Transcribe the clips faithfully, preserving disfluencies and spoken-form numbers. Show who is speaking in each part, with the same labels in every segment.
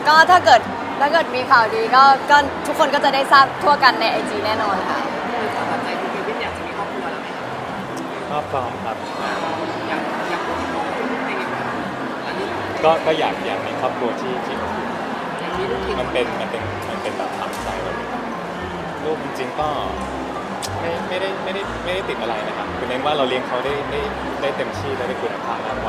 Speaker 1: ก็ถ้าเกิดถ้าเกิดมีข่าวดีก็ก็ทุกคนก็จะได้ทราบทั่วกันในไอจีแน่นอนค่ะ
Speaker 2: สำหรับใจคุณเควินอยากจะมีครอบครัวแล้วไหม
Speaker 3: ครอบครองครับ
Speaker 2: อยากอยากมีครอบครัวเป็นยังไงอันนี้
Speaker 3: ก็ก็อยากอยากมีครอบครัวที่ที่
Speaker 2: อย่างนี้ลูก
Speaker 3: มันเป็นมันเป็นมันเป็นแบบทำใจแบบลูกจริงๆก็ไม่ไม่ได้ไม่ได้ไม่ได้ติดอะไรนะครับคือเน้นว่าเราเลี้ยงเขาได้ได้ได้เต็มที่และได้คุณภาพมากกว่า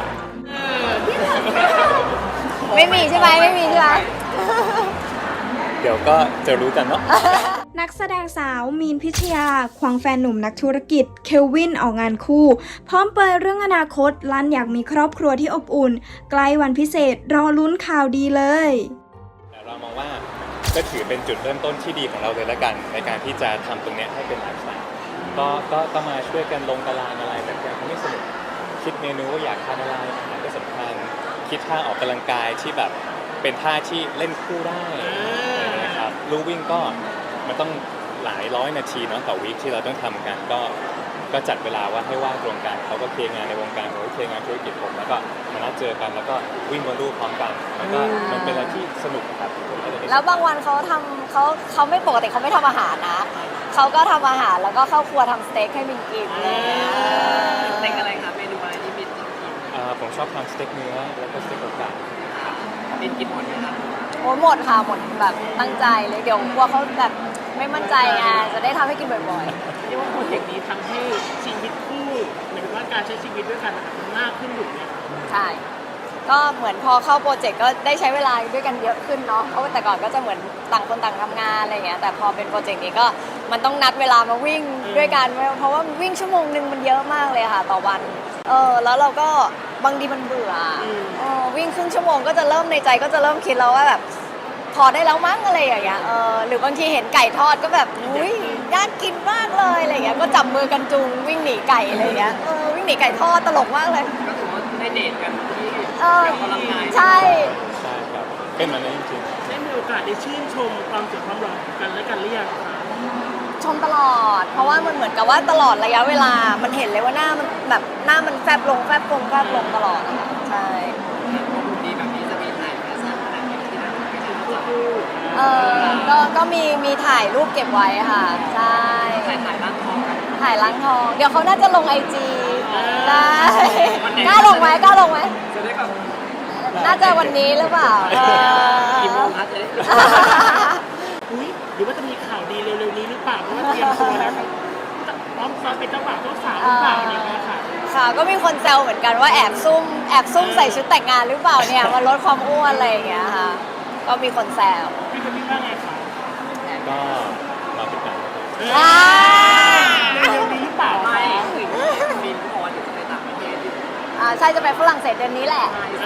Speaker 1: ไม่มีใช่ไหมไม่มีใช่ไหม
Speaker 3: เดี๋ยวก็จะรู้กันเนาะ
Speaker 4: นักแสดงสาวมีนพิชยาควงแฟนหนุ่มนักธุรกิจเคลวินออกงานคู่พร้อมเผยเรื่องอนาคตลั่นอยากมีครอบครัวที่อบอุ่นใกล้วันพิเศษรอลุ้นข่าวดีเลย
Speaker 3: เรามองว่าก็ถือเป็นจุดเริ่มต้นที่ดีของเราเลยละกันในการที่จะทำตรงนี้ให้เป็นไลฟ์สไตล์ก็ก็ต้องมาช่วยกันลงตารางอะไรแบบนี้ไม่สนุกคิดเมนูว่าอยากทานอะไรอาหารก็สำคัญคิดท่าออกกำลังกายที่แบบเป็นท่าที่เล่นคู่ได้นะครับลู่วิ่งก็มันต้องหลายร้อยนาทีเนาะต่อวีคที่เราต้องทำกันก็ก็จัดเวลาว่าให้ว่างตรงกันเขาก็เคลียร์งานในวงการผมก็เคลียร์งานธุรกิจผมแล้วก็มานัดเจอกันแล้วก็วิ่งบนลู่พร้อมกันแล้วก็มันเป็นอะไรที่สนุกครับ
Speaker 1: แล้วบางวันเขาทำเขาเขาไม่ปกติเขาไม่ทำอาหารนะเขาก็ทำอาหารแล้วก็เข้าครัวทำสเต็กให้มินกินอะไรเงี้ย
Speaker 2: สเต็กอะไรคะเมนูอะไรที่มินชอบกิน
Speaker 3: ผมชอบทำสเต็กเนื้อแล้วก็สเต็กไก่
Speaker 2: มินกินหมดไหมคะ
Speaker 1: โอ้หมดค่ะหมดแบบตั้งใจเลยเดี๋ยวกลัวเขาแบบไม่มั่นใจไงจะได้ทำให้กินบ่อย
Speaker 2: ๆเรียกว่าโปรเจกต์นี้ทำให้ชีวิตคู่หมายถึงว่าการใช้ชีวิตด้วยกันมันมากขึ้นอยู่เนี่ย
Speaker 1: ใช่ก็เหมือนพอเข้าโปรเจกต์ก็ได้ใช้เวลาด้วยกันเยอะขึ้นเนาะเพราะว่าแต่ก่อนก็จะเหมือนต่างคนต่างทำงานอะไรเงี้ยแต่พอเป็นโปรเจกต์นี้ก็มันต้องนัดเวลามาวิ่งด้วยกันเพราะว่าวิ่งชั่วโมงนึงมันเยอะมากเลยค่ะต่อวันเออแล้วเราก็บางทีมันเบื่อเออวิ่งครึ่งชั่วโมงก็จะเริ่มในใจก็จะเริ่มคิดแล้วว่าแบบพอได้แล้วมั้งอะไรอย่างเงี้ยเออหรือบางทีเห็นไก่ทอดก็แบบอุ้ยน่ากินมากเลยอะไรเงี้ยก็จับมือกันจูงวิ่งหนีไก่อะไรเงี้ยเออวิ่งหนีไก่ทอดตลกมากเลย
Speaker 2: ก็ถือว่าได้เดทกันที่
Speaker 1: เออใช่
Speaker 3: ใช่ครับเป็นมันจริง
Speaker 2: ๆได้มีโอกาสได้ชื่นชมความสวยความหล่อกันและกันหรือยังคะ
Speaker 1: ชมตลอดเพราะว่ามันเหมือนกับว่าตลอดระยะเวลามันเห็นเลยว่าหน้ามันแบบหน้ามันแฟบลงแฟบลงแฟบลงตลอดใช่
Speaker 2: ดีแบบนี้จะมีถ่ายแฟชั่นอะไรอย่างที่นั่นไม่ถึงคู่
Speaker 1: เออก็ก็มีมีถ่ายรูปเก็บไว้ค่ะใช่
Speaker 2: ถ่ายถ่ายล้างทอง
Speaker 1: ถ่ายล้างทองเดี๋ยวเขาน่าจะลงไอจีได้กล้าลงไหมกล้าลงไหม
Speaker 2: จะได้กับ
Speaker 1: น่าจะวันนี้หรือเปล่า
Speaker 2: กี่โมงคะจะได้อุ้ยหรือว่าจะมีข่าวดีเร็วๆนี้หรือเปล่าเพราะว่าเตรียมตัวแล้วพร้อมซ้อมเป็นเจ้าบ่าวเจ้าสาวหรือเปล่าอะไรเงี้ยค่ะ
Speaker 1: ค่ะก็มีคนแซวเหมือนกันว่าแอบซุ่มแอบซุ่มใส่ชุดแต่งงานหรือเปล่าเนี่ยมาลดความอ้วนอะไรอย่างเงี้ยค่ะก็มีคนแซว
Speaker 2: พี่จะพี่ว่าไงคะ
Speaker 3: ก็มาเป็นกัน
Speaker 1: อ่า
Speaker 2: เร็วๆนี้เปล่าไม่บินพออยู่ในต่างประเทศ
Speaker 1: อ่าใช่จะไปฝรั่งเศสเดือนนี้แหละ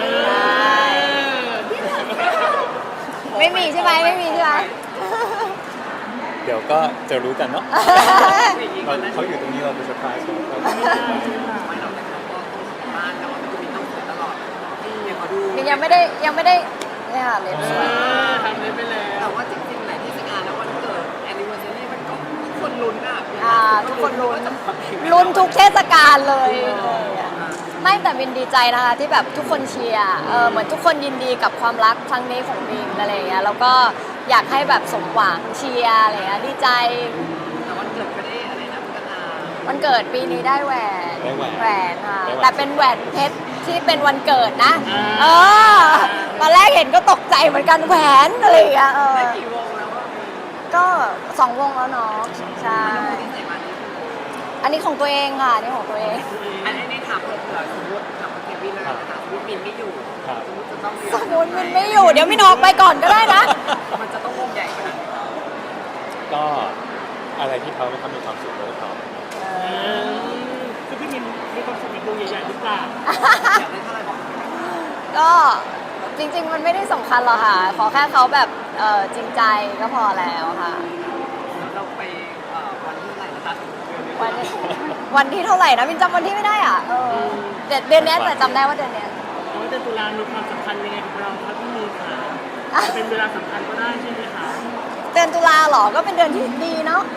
Speaker 1: ไม่มีใช่ไหมไม่มีใช่ไหม
Speaker 3: เดี๋ยวก็จะรู้กันเนาะเขาอยู่ตรงนี้เราเป็นเซอร์ไพรส์เขา
Speaker 2: ไม่เราแต่เขาก็บ้านแต่ว่ามันจะมีต้องสวยตลอดเนี่ยเขาดู
Speaker 1: ยังไม่ได้ยังไม่ได้เนี่ยเล็บสวย
Speaker 2: ทำเล็บไปแล้วแต่ว่าจริงๆไหนที่จะงานแล้ววันเกิดแอนนิเวอร์ซารีมันก็ทุกคนลุ้นอ่ะ
Speaker 1: อ่าทุกคนลุ้นลุ้นทุกเทศกาลเลยไม่แต่บินดีใจนะคะที่แบบทุกคนเชียร์เออเหมือนทุกคนยินดีกับความรักครั้งนี้ของบินอะไรอย่างเงี้ยแล้วก็อยากให้แบบสมหวังเชียร์อะไรเงี้ยดีใจ
Speaker 2: แต่วันเกิดก็ได้อะไรนะพัฒนา
Speaker 1: วันเกิดปีนี้ได้แหวนแหวนค่ะแต่เป็นแหวนเพชรที่เป็นวันเกิดนะเออตอนแรกเห็นก็ตกใจเหมือนกันแหวนอะไรอย่างเงี้ยเออ
Speaker 2: กี่วงแล้ว
Speaker 1: ก็สองวงแล้วเนาะใช่อันนี้ของตัวเองค่ะนี่ของตัวเอง
Speaker 2: อันนี้ถามเผื่อสมมติถามเควินแล้วนะคะสมมติมินไม่อยู่สมมติจะต้อง
Speaker 1: สมมติมินไม่อยู่เดี๋ยวมินออกไปก่อนก็ได้นะ
Speaker 2: มันจะต้องวงใหญ่ขนาดไหน
Speaker 3: ก็อะไรที่เขาไม่ทำมีความสุขก็ท
Speaker 2: ำคือพี่มินมีความสุขในวงใหญ่ๆหรือเปล่าอยากได้เท่าไหร่บอก
Speaker 1: ก็จริงๆมันไม่ได้สำคัญหรอกค่ะขอแค่เขาแบบจริงใจก็พอแล้วค่ะ
Speaker 2: เราไปวันที่เท่าไหร่นะคะ
Speaker 1: วันวันที่เท่าไหร่นะมินจำวันที่ไม่ได้อ่ะเออเดือนนี้แต่จำได้ว่าเดือนนี้
Speaker 2: ว่าเดือนตุลามีความสำคัญยังไงกับเราครับพี่มีค่ะเป็นเวลาสำคัญก็ได้ใช่ไหมคะ
Speaker 1: เดือนตุลาหรอก็เป็นเดือนที่ดีเนาะ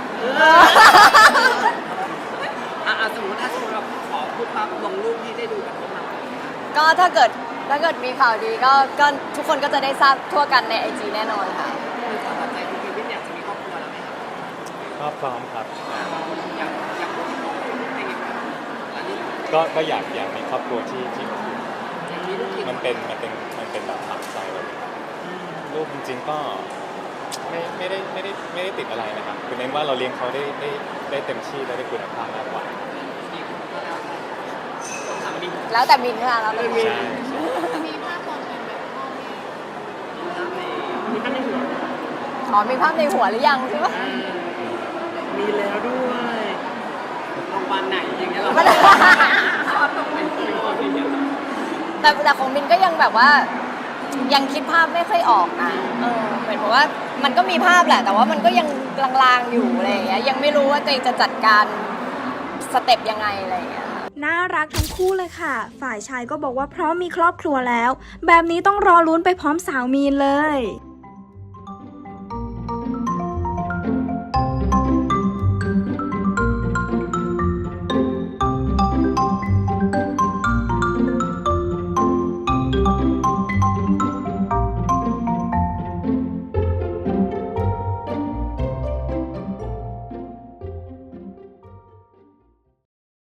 Speaker 2: อ่าสมมติถ้าสมมติเราขอพูดภาพลงรูปที่ได้ดูกันพวกเรา
Speaker 1: ก็ถ้าเกิดถ้าเกิดมีข่าวดีก็ก็ทุกคนก็จะได้ทราบทั่วกันในไอจีแน่นอนค่ะ
Speaker 2: คือความตั้งใจคือเควินอยากจะมีครอบครัวแล้วไหมครับ
Speaker 3: ก็พร้อมครับ
Speaker 2: อยากอยากมีครอบครัวในอีกแบบอันนี้
Speaker 3: ก็ก็อยากอยากมีครอบครัวที่ที่อบอุ่น
Speaker 2: อยากมีลูกกี่ค
Speaker 3: มันเป็นมันเป็นมันเป็นแบบฝังใจเราเลยลูกจริงๆก็ไม่ไม่ได้ไม่ได้ไม่ได้ติดอะไรนะครับคือเน้นว่าเราเลี้ยงเขาได้ได้ได้เต็มที่และได้คุณภาพมากกว่า
Speaker 2: กี่คนก็แล้วแต่ต้องถามดิ
Speaker 1: แล้วแต่มินค่ะแล้วแต่มิน
Speaker 3: ใช่ใช่
Speaker 5: มีภาพตอนเป็นแบบพ่อแม่
Speaker 2: มีท่านในหัว
Speaker 1: อ๋อมีภาพในหัวหรือยังใช่ปะ
Speaker 2: มีแล้วด้วยโรงพยาบาลไหนอย่างเงี้ยเรา
Speaker 1: มัน
Speaker 2: ชอบต้องเป็นตัวอย่างเงี้ย
Speaker 1: แต่แต่ของมินก็ยังแบบว่ายังคิดภาพไม่ค่อยออกนะเออเหมือนกับว่ามันก็มีภาพแหละ แต่ว่ามันก็ยังลางๆอยู่อะไรอย่างเงี้ยยังไม่รู้ว่าตัวเองจะจัดการสเต็ปยังไงอะไรอย่างเงี้ย
Speaker 4: น่ารักทั้งคู่เลยค่ะ ฝ่ายชายก็บอกว่าพร้อมมีครอบครัวแล้ว แบบนี้ต้องรอลุ้นไปพร้อมสาวมีนเลย